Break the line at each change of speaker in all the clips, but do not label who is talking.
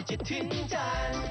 จะถึงจันทร์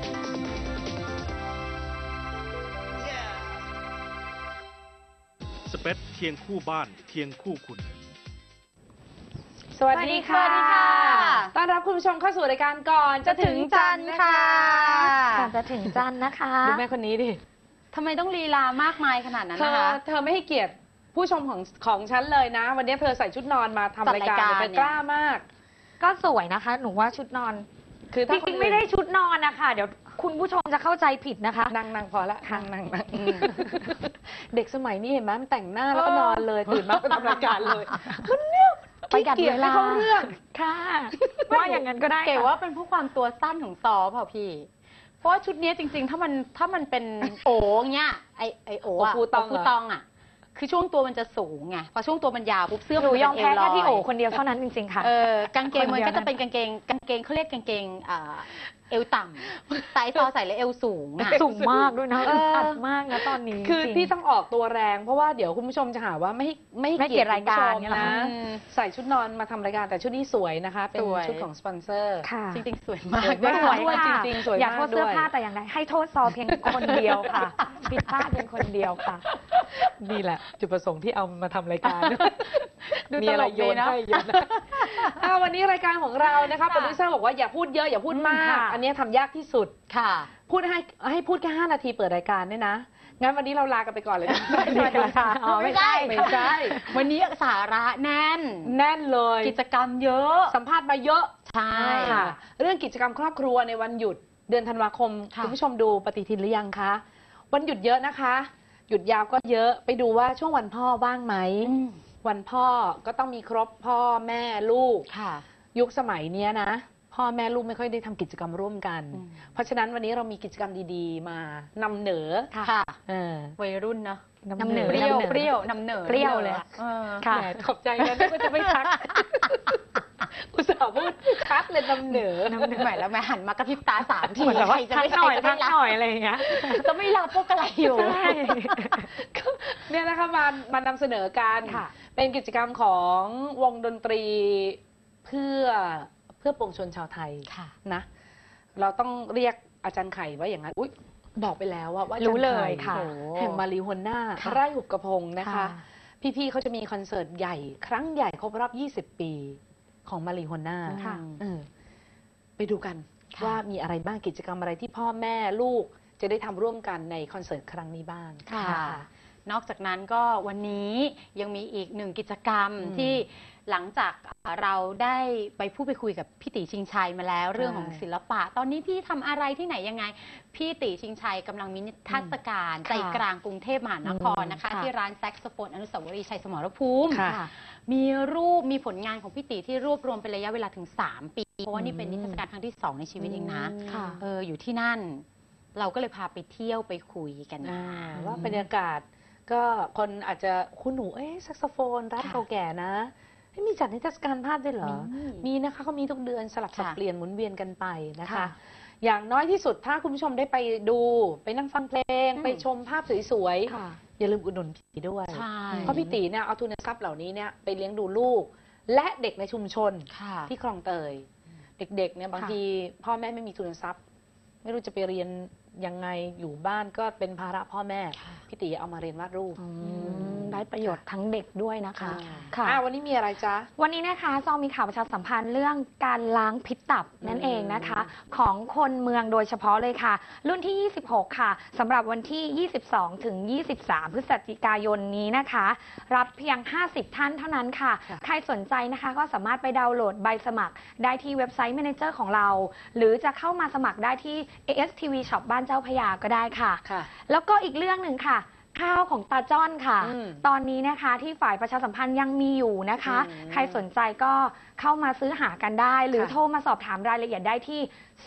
สเปซเคียงคู่บ้านเคียงคู่คุณ
สวัสดีค่ะ
สวัสดีค่ะ
ต้อนรับคุณผู้ชมเข้าสู่รายการก่อนจะถึงจันทร์ค่ะ
ก่อนจะถึงจันทร์นะคะ
ดูแม่คนนี้ดิ
ทำไมต้องลีลามากมายขนาดนั้น
เธ
นะ
อ
คะ
เธอไม่ให้เกียรติผู้ชมของฉันเลยนะ วันนี้เธอใส่ชุดนอนมาทำรายการเธอกล้ามาก
ก็สวยนะคะ หนูว่าชุดนอน
คือ
จ
ถ้า
ริงๆไม่ได้ชุดนอนนะคะเดี๋ยวคุณผู้ชมจะเข้าใจผิดนะคะ
นั่งพอละ
ค่ะ
นั่งเด็กสมัยนี้เห็นไหมมันแต่งหน้าแล้วก็นอนเลยตื่นมาก็ทำรายการเลยมันเนี่ย
ประหยัด
ขี้กีจ
เวลา
ไม่เข้าเรื่อง
ค่ะว่าอย่างนั้นก็ได้
เก๋
ค่ะ
ว่าเป็นเพราะความตัวสั้นของซอเปล่าพี่ เพราะว่าชุดนี้จริงๆ ถ้ามันเป็นโอ๋เงี้ยไอโอ๋อะ
โอฟูตองเหรอ
โฟูตองอะคือช่วงตัวมันจะสูงไงพอช่วงตัวมันยาวปุ๊บเสื้อ
หนูยอม
เป็
แพ้
นเวล
แค่
อย
พี่โอคนเดียวเท่านั้นจริงๆค่ะ
กางเกงมัน
คนเดียว
ก็จะเป็นกางเกงเขาเรียกกางเกงเอวต่ำแต่ไอซอใส่แล้วเอวสูงอะ
สูงมากด้วยนะ
เออ
อัดมากนะตอนนี้
คือ
จริง
พี่ต้องออกตัวแรงเพราะว่าเดี๋ยวคุณผู้ชมจะหาว่าไม่
ไม่เกียรติรายการ
คุณผู้ชม
เนี่ยเหรอ
นะ
คะ
ใส่ชุดนอนมาทำรายการแต่ชุดนี้สวยนะคะ เป็น
สวย
ชุดของสปอนเซอร์
ค่ะ
จริงๆสวยมาก
สวยมาก
สวย
ด้วย
ค่ะ
จริงๆสวยมาก
อย่าโทษเสื้อ
ด้วย
ผ้าแต่อย่างใดให้โทษซอเพียงคนเดียวค่ะผิดพลาดเพียงคนเดียวค่ะ
นี่แหละ จุดประสงค์ที่เอามาทำรายการ
ดู
มี
ต
อะไร
ลก
โย
ดี
น
นะ
ให้โยนให้วันนี้รายการของเรานะคะโปรดิวเซอร์บอกว่าอย่าพูดเยอะอย่าพูดมาก
ค่ะ
อันนี้ทำยากที่สุด
ค่ะ
พูดให้พูดแค่5 นาทีเปิดรายการเนี่ยนะงั้นวันนี้เราลากันไปก่อนเลยนะ
สวัสดีค่ะอ๋อไม่ใช่
ไม่ใช่
วันนี้สาระแน่น
แน่นเลย
กิจกรรมเยอะ
สัมภาษณ์มาเยอะ
ใช่
ค่ะเรื่องกิจกรรมครอบครัวในวันหยุดเดือนธันวาคม
ค่ะ
คุณผู้ชมดูปฏิทินหรือยังคะวันหยุดเยอะนะคะ หยุดยาวก็เยอะไปดูว่าช่วงวันพ่อว่างไหมวันพ่อก็ต้องมีครบพ่อแม่ลูก
ค่ะ
ยุคสมัยเนี้ยนะพ่อแม่ลูกไม่ค่อยได้ทำกิจกรรมร่วมกัน
อืม
เพราะฉะนั้นวันนี้เรามีกิจกรรมดีๆ มานำเหนอ
ค่ะ
เออ
วัยรุ่นเนอะ
นำเหนอ
เปรี้ยวเปรี้ยวนำเหนอ
เปรี้ยวเลยอะ
เออ
ค่ะ
แหมขอบใจนะนึกว่าจะไม่ทัก อุตส่าห์พูดชัดเลยนำเหนอ
ใหม่แล้วแม่หันมากระพริบตา3 ที
เหมือนแบบว่า
ใครจะ
ทัก
ไม่
หน่อย
ใครจะ
ทั
ไม่
ก
รับ
หน่อยอะไรอย่างเงี้ย
จะไม่รับพวกอะไรอยู่
ใช่
เนี่ยนะคะมานำเสนอกัน
ค่ะ
เป็นกิจกรรมของวงดนตรีเพื่อปวงชนชาวไทย
ค่ะ
นะ เราต้องเรียกอาจารย์ไข่ว่าอย่างนั้นอุ๊ยบอกไปแล้วว่าอาจาร
รู้
ย์
เล
ไข่
ยค่ะ
โอ้
แห่งมารีฮวนนา
ค่ะ
ไร่หุบกระพงนะคะ
ค่ะ
พี่ๆเขาจะมีคอนเสิร์ตใหญ่ ครั้งใหญ่ครบรอบ 20 ปีของมารีฮวนนา
ค่ะ
ไปดูกัน
ค่ะ
ว่ามีอะไรบ้างกิจกรรมอะไรที่พ่อแม่ลูกจะได้ทำร่วมกันในคอนเสิร์ตครั้งนี้บ้าง
ค่ะ นอกจากนั้นก็วันนี้ยังมีอีกหนึ่งกิจกรรม
อืม
ที่หลังจากเราได้ไปพูดไปคุยกับพี่ติชิงชัยมาแล้วเรื่องของศิลปะ ตอนนี้พี่ทำอะไรที่ไหนยังไง พี่ติชิงชัยกำลังมีนิทรรศการใจกลางกรุงเทพมหานครนะคะ
ค่ะ
ที่ร้านแซกโซโฟนอนุสาวรีย์ชัยสมรภูมิ
ค่ะ
มีรูปมีผลงานของพี่ติที่รวบรวมเป็นระยะเวลาถึง 3 ปี เพราะว่านี่เป็นนิทรรศการครั้งที่ 2 ในชีวิตเองนะ
ค่ะ
อยู่ที่นั่น เราก็เลยพาไปเที่ยวไปคุยกัน
ว่าบรรยากาศก็คนอาจจะคุณหนูแซกโซโฟนร้าน
ค่ะ
เก่าแก่นะมีจัดนิทรรศการภาพด้วยเหรอ
มี
มีนะคะเขามีทุกเดือนสลับสับ
ค่ะ
เปลี่ยนหมุนเวียนกันไปนะคะ
ค่ะ
อย่างน้อยที่สุดถ้าคุณผู้ชมได้ไปดูไปนั่งฟังเพลง
อืม
ไปชมภาพสวย
ค่ะ
ๆอย่าลืมอุดหนุนพี่ด้วย
ใช่
เพราะพี่ตีเนี่ยเอาทุนทรัพย์เหล่านี้เนี่ยไปเลี้ยงดูลูก และเด็กในชุมชน
ค่ะ
ที่คลองเตย เด็กๆเนี่ยบางทีพ่อแม่ไม่มีทุนทรัพย์ ไม่รู้จะไปเรียนยังไงอยู่บ้านก็เป็นภาระพ่อแม่
ค่ะ
พี่ตีเอามาเรียนวาดรูป
ได้ประโยชน์ทั้งเด็กด้วยนะคะ
ค่ะวันนี้มีอะไรจ๊ะ
วันนี้นะคะซองมีข่าวประชาสัมพันธ์เรื่องการล้างพิษตับนั่นเองนะคะ ของคนเมืองโดยเฉพาะเลยค่ะ รุ่นที่ 26 ค่ะสำหรับวันที่ 22 ถึง 23 พฤศจิกายนนี้นะคะ รับเพียง 50 ท่านเท่านั้นค่ะ
ค่ะ
ใครสนใจนะคะก็สามารถไปดาวน์โหลดใบสมัครได้ที่เว็บไซต์ Manager ของเรา หรือจะเข้ามาสมัครได้ที่ ASTV Shop บ้านเจ้าพระยาก็ได้ค่ะ
ค่ะ
แล้วก็อีกเรื่องหนึ่งค่ะ ข้าวของตาจ้อนค่ะ
อืม
ตอนนี้นะคะที่ฝ่ายประชาสัมพันธ์ยังมีอยู่นะคะ
อืม
ใครสนใจก็เข้ามาซื้อหากันได้ หรือ
ค่ะ
โทรมาสอบถามรายละเอียดได้ที่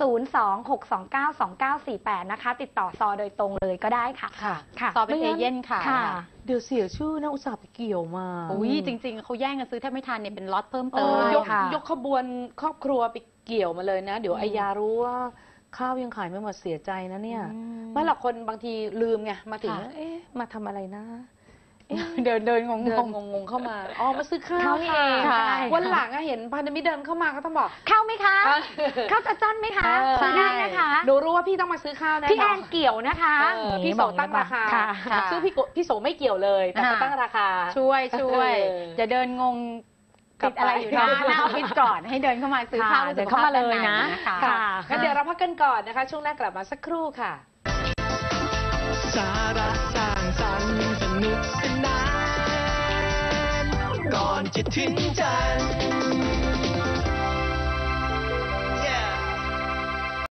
026292948 นะคะ ติดต่อซอโดยตรงเลยก็ได้ค่ะ
ค่ะ
ค่ะ
ซอเป็นเอเย่นค่ะ
ค่ะ
เดี๋ยวเสียชื่อนะอุตส่าห์ไปเกี่ยวมา
อุ้ยจริง ๆเขาแย่งกันซื้อแทบไม่ทันเนี่ยเป็นล็อตเพิ่มเติม
ยก
ค่ะ
ยกขบวนครอบครัวไปเกี่ยวมาเลยนะ เดี๋ยวไอยารู้ว่าข้าวยังขายไม่หมดเสียใจนะเนี่ย
อืม
เมื่อหลายคนบางทีลืมไงมาถึง
ค่ะ
มาทำอะไรนะ
เดินงง
เดินงงๆเข้ามาอ๋อมาซื้อข้าว
เข้านี่เอง
ค่ะ
ใช่
วันหลังอะเห็นพันธมิตรเดินเข้ามาก็ต้องบอก
เข้าไหมคะ
เออ
เข้าจะจ้อนไหมคะ
เออ
ซื้อได้นะคะ
หนูรู้ว่าพี่ต้องมาซื้อข้าวแน่
พี่
น
แอ
อน
นเกี่ยวนะคะ
พี่โสตั้งราคา
ค่ะ
ค่ะ
ซึ่งพี่โสไม่เกี่ยวเลยแต่เขาตั้งราคา
ช่วย
เออ
จะเดินงง
กลั
ติ
บ
ด
ไป
อะไรอยู่หน้าออฟฟิศก่อนให้เดินเข้ามาซื้อข้าว
ค่ะเดินเข้ามาเลยนะ
ค่ะ
ค่ะ
งั้นเดี๋ยวเราพักกันก่อนนะคะ ช่วงหน้ากลับมาสักครู่ค่ะ
สาระสร้างสรรค์สนุกสนานก่อนจะถึงจันทร์